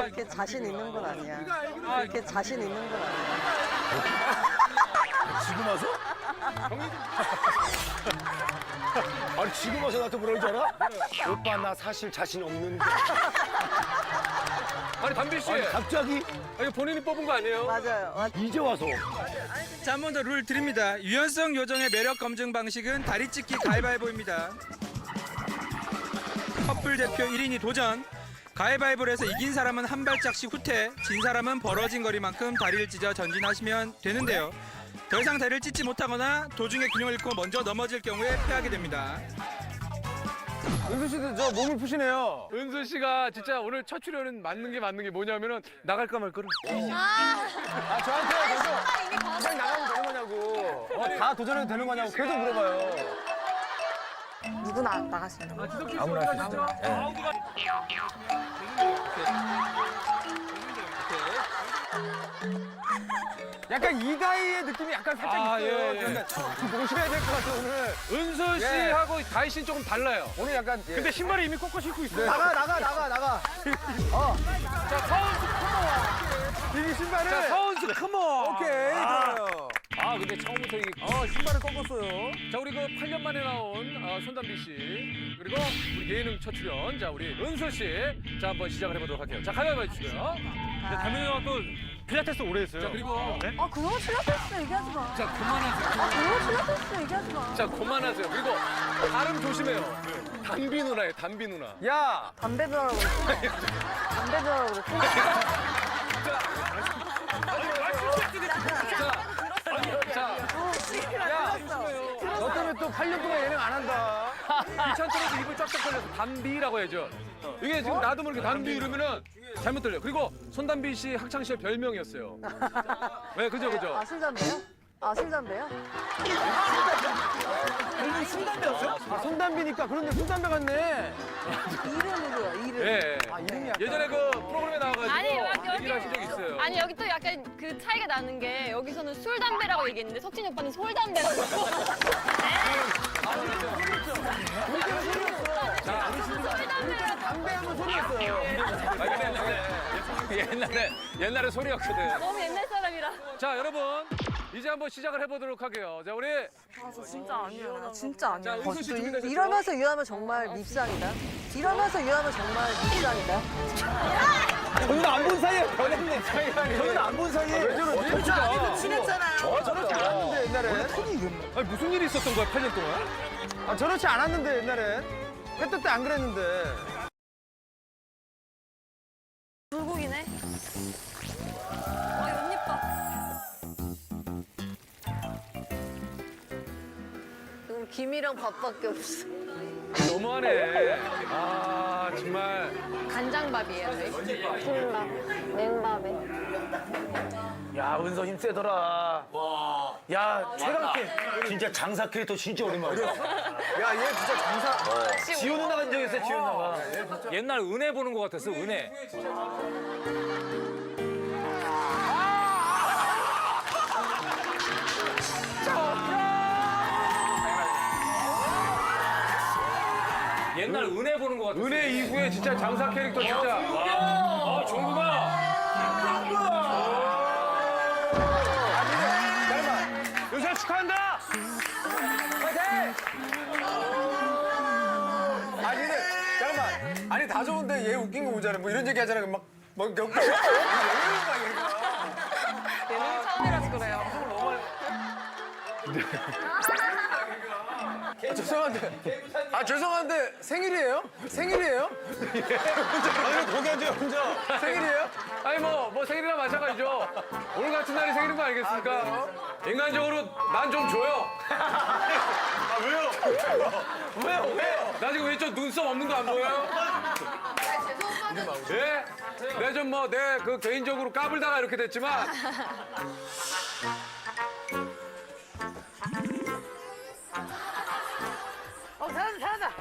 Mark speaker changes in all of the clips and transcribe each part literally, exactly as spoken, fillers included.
Speaker 1: 그렇게 자신 있는 건 아니야. 그렇게 자신 있는 건 아니야.
Speaker 2: 지금 와서? 아니 지금 와서 나한테 뭐라 그러지 않아? 오빠 나 사실 자신 없는데.
Speaker 3: 아니 담비 씨,
Speaker 2: 아니 갑자기
Speaker 3: 아니 본인이 뽑은 거 아니에요?
Speaker 1: 맞아요. 맞-
Speaker 2: 이제 와서.
Speaker 4: 자, 한 번 더 룰 드립니다. 유연성 요정의 매력 검증 방식은 다리 찢기 가위바위보입니다. 커플 대표 일 인이 도전. 가위바위보를 해서 이긴 사람은 한 발짝씩 후퇴, 진 사람은 벌어진 거리만큼 다리를 찢어 전진하시면 되는데요. 더 이상 다리를 찢지 못하거나 도중에 균형을 잃고 먼저 넘어질 경우에 패하게 됩니다.
Speaker 5: 은수 씨도 저 몸을 푸시네요.
Speaker 3: 은수 씨가 진짜 오늘 첫 출연은 맞는 게 맞는 게 뭐냐면은 나갈까 말까를.
Speaker 5: 아 저한테 계속 그냥 나가면 되는 거냐고. 어, 다 도전해도 되는 거냐고 계속 물어봐요.
Speaker 1: 누구나 나가시면 돼요.
Speaker 5: 아무나 하시죠. 약간 이다희의 느낌이 약간 살짝
Speaker 3: 아,
Speaker 5: 있어요.
Speaker 3: 예, 예.
Speaker 5: 약간 좀 모셔야 될 것 같아 오늘.
Speaker 3: 은수
Speaker 5: 예.
Speaker 3: 씨하고 다희 씨는 조금 달라요.
Speaker 5: 오늘 약간 예.
Speaker 3: 근데 신발을 이미 꺾어 신고 있어요.
Speaker 5: 나가 나가 나가 나가.
Speaker 3: 자, 서은수
Speaker 5: 이 신발을.
Speaker 3: 자, 서은수 컴온.
Speaker 5: 오케이
Speaker 3: 아,
Speaker 5: 좋아요.
Speaker 3: 아, 근데 처음부터 이게
Speaker 5: 어 신발을 꺾었어요.
Speaker 3: 자, 우리 그 팔 년 만에 나온 어, 손담비 씨 그리고 우리 예능 첫 출연 자 우리 은수 씨 자 한번 시작을 해보도록 할게요. 자 가위바위보 해주시고요.
Speaker 6: 담임 형아 또 필라테스 오래 했어요.
Speaker 3: 자 그리고
Speaker 1: 아, 그거 필라테스 얘기하지 마.
Speaker 3: 자 그만하세요.
Speaker 1: 아, 그거 필라테스 얘기하지 마.
Speaker 3: 자 그만하세요. 그리고 발음 조심해요. 담비 누나예요. 담비 누나.
Speaker 5: 야
Speaker 1: 담배 들어라고 그랬지? 담배 들어라고 그랬지?
Speaker 3: 자,
Speaker 5: 너 때문에 또 팔 년 동안 예능 안 한다.
Speaker 3: 귀찮더라도 입을 쫙쫙 벌려서 담비라고 해야죠. 이게 지금 나도 모르게 담비 이러면은 잘못 들려요. 그리고 손담비 씨 학창 시절 별명이었어요. 네, 그죠, 그죠.
Speaker 1: 아, 술 담배요? 아, 술 담배요?
Speaker 5: 아 손담비니까 그런데 손담비 같네.
Speaker 1: 이름으로요, 이름.
Speaker 3: 예.
Speaker 5: 아 이름이 약간.
Speaker 3: 예전에 그 프로그램에 나와가지고
Speaker 7: 아니 여기
Speaker 3: 얘기를 하신 적 있어요.
Speaker 7: 아니 여기 또 약간 그 차이가 나는 게 여기서는 술 담배라고 얘기했는데 석진이 오빠는 솔 담배라고.
Speaker 5: 담배하면 소리였어요.
Speaker 3: 아, 근데 옛날에 옛날에 소리였거든.
Speaker 7: 너무 옛날 사람이라.
Speaker 3: 자, 여러분 이제 한번 시작을 해보도록 할게요. 자, 우리
Speaker 1: 아, 저 진짜 아니에요. 나 진짜 아니에요.
Speaker 3: 자, 은수 씨
Speaker 1: 어, 또
Speaker 3: 준비되셨죠?
Speaker 1: 이- 이러면서 유하면 정말 밉상이다. 이러면서 유하면 정말 밉상이다.
Speaker 5: 저는 안 본 사이에 변했네. 저는 안 본 사이에. 왜 저러지? 진짜 아니도 친했잖아요. 저 저렇지 않았는데 옛날에.
Speaker 3: 아니, 무슨 일이 있었던 거야, 팔 년 동안?
Speaker 5: 아 저렇지 않았는데 옛날에. 그때 때 안 그랬는데.
Speaker 7: 불고기네. 아 연잎밥.
Speaker 1: 지금 김이랑 밥밖에 없어.
Speaker 3: 너무하네. 아, 정말.
Speaker 7: 간장밥이에요 저희. 김밥, 냉밥에.
Speaker 2: 야 은서 힘 세더라. 와. 야 최강캐. 진짜 장사 캐릭터 진짜 오랜만이야.
Speaker 5: 야 얘 진짜 장사.
Speaker 2: 지호 누나 간 적 있어요 지호 누나가.
Speaker 3: 옛날 은혜 보는 것 같았어, 은혜. 옛날 은혜 보는 것 같았어. 은혜 이후에 진짜 장사 캐릭터 진짜. 와, 정국아. 요새 축하한다.
Speaker 5: 아니 근데 잠깐만. 아니 다 좋은데 얘 웃긴 거 보잖아. 뭐 이런 얘기 하잖아. 막막 몇 개.
Speaker 7: 예능이 처음이라서 그래요.
Speaker 5: 아, 죄송한데. 아 죄송한데 생일이에요? 생일이에요? 아니 거기 앉아요 혼자. 생일이에요?
Speaker 3: 아니 뭐, 뭐 생일이나 마찬가지죠. 오늘 같은 날이 생일인 거 아니겠습니까? 인간적으로 난 좀 줘요. 아 왜요? 왜요? 왜요? 나 지금 왼쪽 눈썹 없는 거 안 보여요? 예? 내 좀 뭐 내 그 개인적으로 까불다가 이렇게 됐지만
Speaker 1: 어, 잘한다, 잘한다.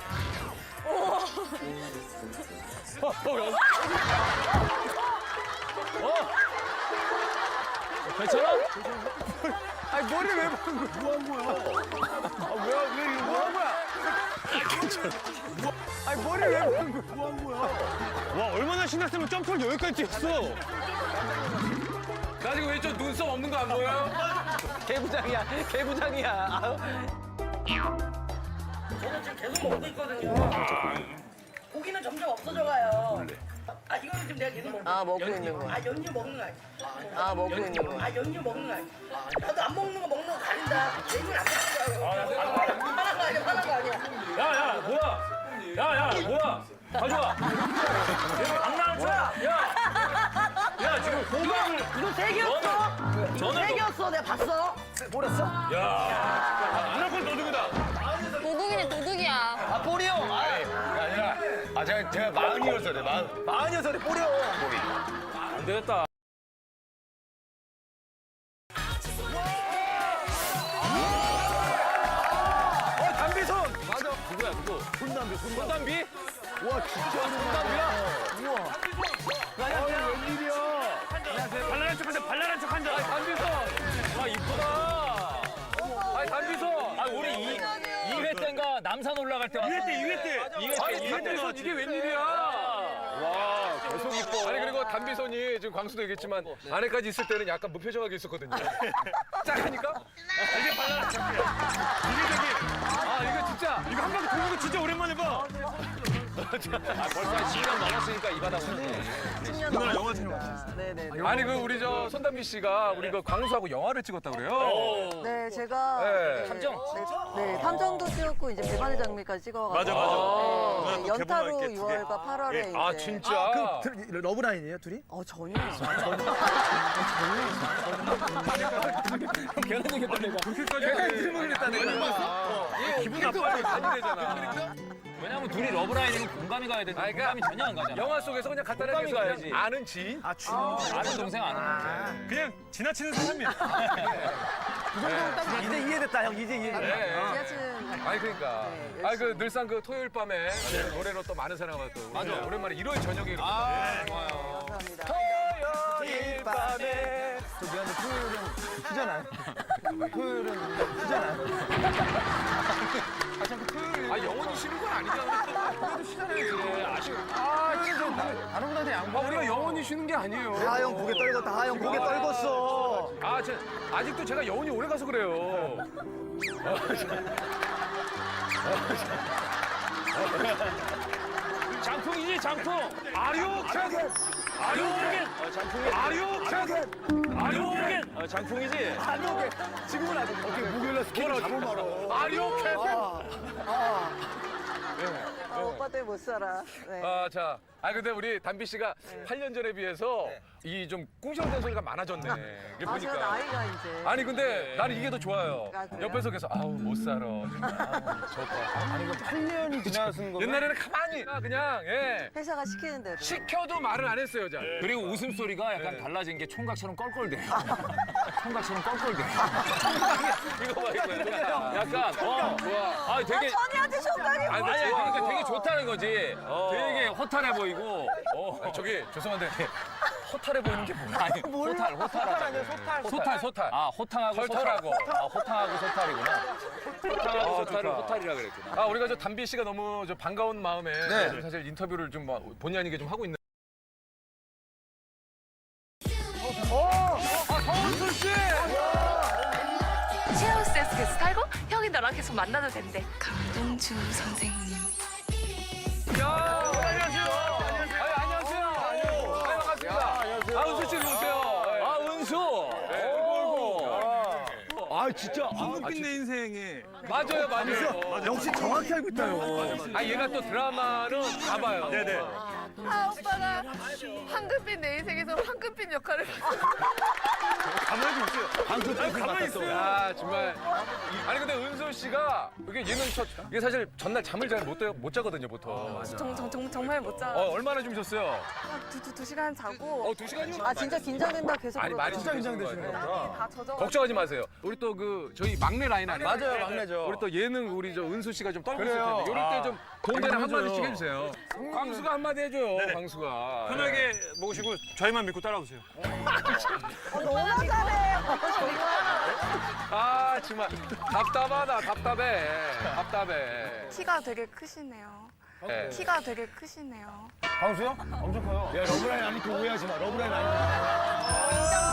Speaker 3: 괜찮아?
Speaker 5: 아니 머리 왜 보는 거야? 뭐 한 거야? 아왜왜 이거 뭐 한 거야? 아니 머리 왜 보는 거야? 뭐한 거야?
Speaker 6: 와 얼마나 신났으면 점프를 여기까지 뛰었어.
Speaker 3: 나 지금 왼쪽 눈썹 없는 거 안 보여?
Speaker 5: 개부장이야, 개부장이야. 아유.
Speaker 8: 저는 지금 계속 먹고 있거든요. 고기는 점점 없어져가요. 아 이거는 지금 내가 계속 먹고.
Speaker 1: 아, 먹고 있는 거야.
Speaker 8: 아 연유 먹는 거 아니야?
Speaker 1: 아, 먹고 있는 거야.
Speaker 8: 아 연유 먹는 거 아니야? 나도 안 먹는 거 먹는 거 가린다. 얘는 안 먹는 거야. 화난 거 아니야? 화난 거 아니야?
Speaker 2: 야야 뭐야? 야야 뭐야? 가져와. 장난쳐? 야. 야 지금 호박을
Speaker 8: 이거 세 개였어? 이거 세 개였어? 내가 봤어?
Speaker 2: 무조건 도둑이다.
Speaker 7: 도둑이네 도둑이야.
Speaker 5: 아 볼이요. 아,
Speaker 2: 아니라 아 제가 제가 마흔이어서 그래 마흔.
Speaker 5: 마흔여서 그래 볼이요.
Speaker 3: 안 되겠다.
Speaker 5: 어 담비손.
Speaker 3: 맞아. 누구야 누구?
Speaker 5: 손담비, 손담비.
Speaker 3: 손담비?
Speaker 5: 와 진짜 손담비야. 우와. 안녕하세요. 웬일이야?
Speaker 6: 발랄한 척한다. 발랄한 척한다.
Speaker 3: 아이 담비선. 와 이쁘다. 아이 담비선.
Speaker 2: 아 우리 이 이 회 때인가 남산 올라갈 때 왔어.
Speaker 6: 이 회 때, 이 회 때.
Speaker 2: 이 회 때,
Speaker 3: 아니
Speaker 2: 이 회 때
Speaker 3: 담비선
Speaker 2: 나왔지.
Speaker 3: 이게 웬일이야? 와 계속 이뻐. 아니 그리고 담비선이 지금 광수도 얘기했지만 안에까지 있을 때는 약간 무표정하게 있었거든요. 짝하니까?
Speaker 6: 이게 발랄한 척이야. 이게 되게
Speaker 3: 아 이거 진짜.
Speaker 6: 이거 한 바퀴 도는 거 진짜 오랜만에 봐.
Speaker 3: 아 벌써 한 십 년 넘었으니까 이 바닥 오네.
Speaker 1: 십 년
Speaker 6: 누나
Speaker 1: 넘었어요.
Speaker 6: 영화 촬영
Speaker 1: 네네.
Speaker 3: 아니 그 우리 저 손담비 씨가 우리 그 광수하고 영화를 찍었다 그래요.
Speaker 1: 네, 제가
Speaker 3: 네.
Speaker 1: 네,
Speaker 2: 탐정?
Speaker 1: 네, 네, 탐정도 찍었고 이제 배반의 장미까지 찍어가지고
Speaker 6: 맞아, 맞아.
Speaker 1: 네,
Speaker 6: 누나
Speaker 1: 네,
Speaker 6: 또
Speaker 1: 연타로
Speaker 6: 개봉할게, 두 개.
Speaker 1: 유월과 팔월에 이제
Speaker 3: 아 진짜.
Speaker 5: 그 러브라인이에요 둘이?
Speaker 1: 어 전혀 전혀
Speaker 5: 결혼 얘기했다 내가.
Speaker 6: 그렇게까지
Speaker 5: 내가
Speaker 6: 해.
Speaker 5: 이름을 그랬다 내가.
Speaker 3: 기분 나빠요. 많이 되잖아.
Speaker 2: 왜냐면 둘이 러브라인은 공감이 가야 되는데
Speaker 3: 아니, 그러니까
Speaker 2: 공감이 전혀 안 가잖아.
Speaker 3: 영화 속에서 그냥 간단하게
Speaker 2: 공감이
Speaker 3: 그냥
Speaker 2: 가야지.
Speaker 3: 아는 지인?
Speaker 5: 아 주.
Speaker 2: 아는 동생 아는
Speaker 6: 그냥 지나치는 사람이야.
Speaker 5: 이제 이해됐다 형 이제 이해됐다.
Speaker 3: 네.
Speaker 1: 지하철
Speaker 3: 아니 그러니까.
Speaker 1: 네,
Speaker 3: 아니 그 늘상 그 토요일 밤에 노래로 또 많은 사랑을 받고 맞아. 오랜만에 일요일 저녁에 이렇게
Speaker 1: 감사합니다.
Speaker 5: 토요일 밤에. 저 미안한데 토요일은 휴잖아요. 토요일은 휴잖아요.
Speaker 3: 아 영원히 쉬는 건 아니잖아. 그래도 쉬잖아요. 그래. 아쉬워.
Speaker 5: 아 진짜 다른 분한테 양보.
Speaker 3: 아 우리가 영원히 쉬는 게 아니에요.
Speaker 5: 다형 고개 떨궜다. 다형 고개 떨궜어.
Speaker 3: 아, 저, 아직도 제가 여운이 오래 가서 그래요.
Speaker 2: 장풍이지 장풍.
Speaker 3: 아리오캔! 아리오캔! 아리오캔! 아리오캔!
Speaker 2: 어, 장풍이지.
Speaker 5: 안 오게. 지금은 아직 어떻게 목요일날 스케줄 잘못 말어.
Speaker 3: 아리오캔!
Speaker 1: 아, 오빠 때문에 못 살아. 네.
Speaker 3: 아, 자. 아, 근데 우리 담비 씨가 팔 년 전에 비해서 이 좀 꿍시렁댄 소리가 많아졌네. 이게
Speaker 1: 아 제가
Speaker 3: 보니까.
Speaker 1: 나이가 이제
Speaker 3: 아니, 근데 나는 이게 더 좋아요.
Speaker 1: 아, 그래요?
Speaker 3: 옆에서 계속, 아우, 못 살아. 정말. 아우, 좋다.
Speaker 5: 아니 이거 팔 년이 지나선 거.
Speaker 3: 옛날에는 가만히 그냥, 예.
Speaker 1: 회사가 시키는 대로.
Speaker 3: 시켜도 말을 안 했어요, 자.
Speaker 2: 그리고 웃음소리가 약간 달라진 게 총각처럼 껄껄대요. 총각처럼 껄껄대요. 이거 봐, 이거. 약간, 어, 좋아. 아, 되게.
Speaker 1: 선이한테 총각이
Speaker 2: 아니,
Speaker 1: 뭐야?
Speaker 2: 아니, 그러니까 되게 좋다는 거지. 되게 허탈해 보이고. 어.
Speaker 3: 아니, 저기, 죄송한데, 허탈해 보이는 게 뭐야?
Speaker 2: 아니, 호탈, 호탈 아니야,
Speaker 3: 소탈, 소탈, 소탈.
Speaker 2: 아, 호탕하고
Speaker 3: 설탈하고.
Speaker 2: 소탈. 아, 호탕하고 소탈이구나. 호탕하고
Speaker 3: 아,
Speaker 2: 소탈을
Speaker 3: 좋다.
Speaker 2: 호탈이라 그랬구나.
Speaker 3: 아, 우리가 저 담비 씨가 너무 저 반가운 마음에 좀 사실 인터뷰를 좀 뭐 본의 아니게 좀 하고 있는.
Speaker 9: 쉐어하우스에서 계속 살고 형이 너랑 계속 만나도 된대. 강동주 선생님.
Speaker 3: 야, 안녕하세요. 아니, 안녕하세요. 아유, 반갑습니다. 안녕하세요. 아, 은수 씨 오세요.
Speaker 2: 아, 은수. 오.
Speaker 5: 아 진짜.
Speaker 6: 황금빛 내 인생에
Speaker 3: 맞아요, 맞아요.
Speaker 5: 역시 정확히 알고 있다요.
Speaker 3: 아, 얘가 또 드라마는 다 봐요.
Speaker 6: 네네.
Speaker 9: 아 오빠가 황금빛 내 인생에서 황금빛 역할을.
Speaker 6: 가만히 있어요.
Speaker 5: 방송 때
Speaker 6: 가만히 있어요.
Speaker 3: 야, 정말. 아니, 근데 은수 씨가 이게 예능 첫, 이게 사실 전날 잠을 잘 못 못 자거든요, 보통.
Speaker 9: 정, 정, 정, 정말 못 자.
Speaker 3: 어, 얼마나 주무셨어요?
Speaker 9: 두, 두, 두 시간 자고
Speaker 3: 어, 두 시간이면?
Speaker 1: 아 진짜 긴장된다 계속.
Speaker 3: 아니, 많이
Speaker 1: 그러더라고요.
Speaker 3: 진짜 긴장되시는 거예요.
Speaker 9: 다 젖어.
Speaker 3: 걱정하지 마세요. 우리 또 그 저희 막내 라인 아니에요?
Speaker 5: 맞아요 막내죠.
Speaker 3: 우리 또 예능 우리 저 은수 씨가 좀 떨고 있을
Speaker 5: 그래요.
Speaker 3: 텐데 이럴 때 좀 동대는 한마디씩 해주세요. 광수가 한마디 해줘요. 광수가.
Speaker 6: 편하게 먹으시고 저희만 믿고 따라오세요.
Speaker 1: 너무 잘해.
Speaker 3: 아 정말 답답하다. 답답해. 답답해.
Speaker 9: 키가 되게 크시네요.
Speaker 3: 네.
Speaker 9: 키가 되게 크시네요.
Speaker 5: 광수요? 엄청 커요. 야, 러브라인 아니까 오해하지 마. 러브라인 아니까.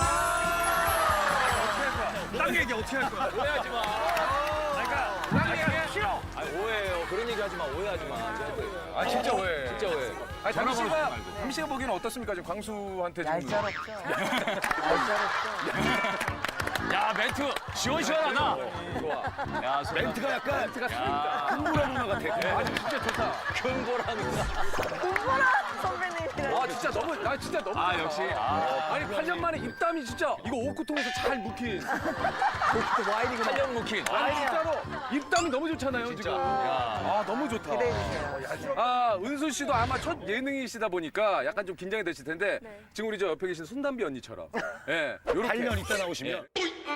Speaker 6: 딴 얘기 어떻게 할 거야?
Speaker 2: 오해하지 마.
Speaker 6: 그러니까
Speaker 2: 딴 얘기 싫어. 아 오해해요. 그런 얘기 하지 마. 오해하지 마.
Speaker 3: 아 진짜 오해.
Speaker 2: 진짜 오해.
Speaker 3: 아니 담 씨가 담 씨가 보기에는 어떻습니까? 지금 광수한테 지금.
Speaker 1: 얄짤없죠. 얄짤없죠.
Speaker 2: 야 멘트 시원시원하다. 좋아. 야
Speaker 5: 멘트가 약간
Speaker 3: 멘트가
Speaker 5: 흥분하 누나 같아.
Speaker 3: 아 진짜 좋다.
Speaker 2: 근거라는
Speaker 1: 공부라 선배님이랑.
Speaker 3: 와 진짜 너무 나 진짜 너무.
Speaker 2: 아
Speaker 3: 좋다.
Speaker 2: 역시. 아,
Speaker 3: 아니 팔 년 만에 입담이 진짜 이거 옷구통에서 잘 묵힌.
Speaker 1: 와인이구나.
Speaker 2: 탄력 묵힌.
Speaker 3: 아니 진짜로 입담이 너무 좋잖아요 지금. 아 너무 좋다.
Speaker 1: 기대해 주세요.
Speaker 3: 아 은수 씨도 아마 첫 예능이시다 보니까 약간 좀 긴장이 되실 텐데
Speaker 9: 네.
Speaker 3: 지금 우리 저 옆에 계신 손담비 언니처럼 예 요렇게
Speaker 5: 팔 년 있다 나오시면.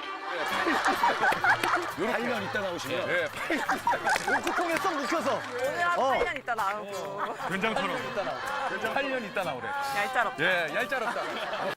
Speaker 5: 팔 년 있다 나오시면.
Speaker 3: 예
Speaker 5: 옷구통에 쏙 묵혀서.
Speaker 1: 오늘 한 팔 년 있다 나오고.
Speaker 6: 된장처럼.
Speaker 3: 팔 년 있다 나오래.
Speaker 1: 얄짤없죠.
Speaker 3: 예 얄짤없다.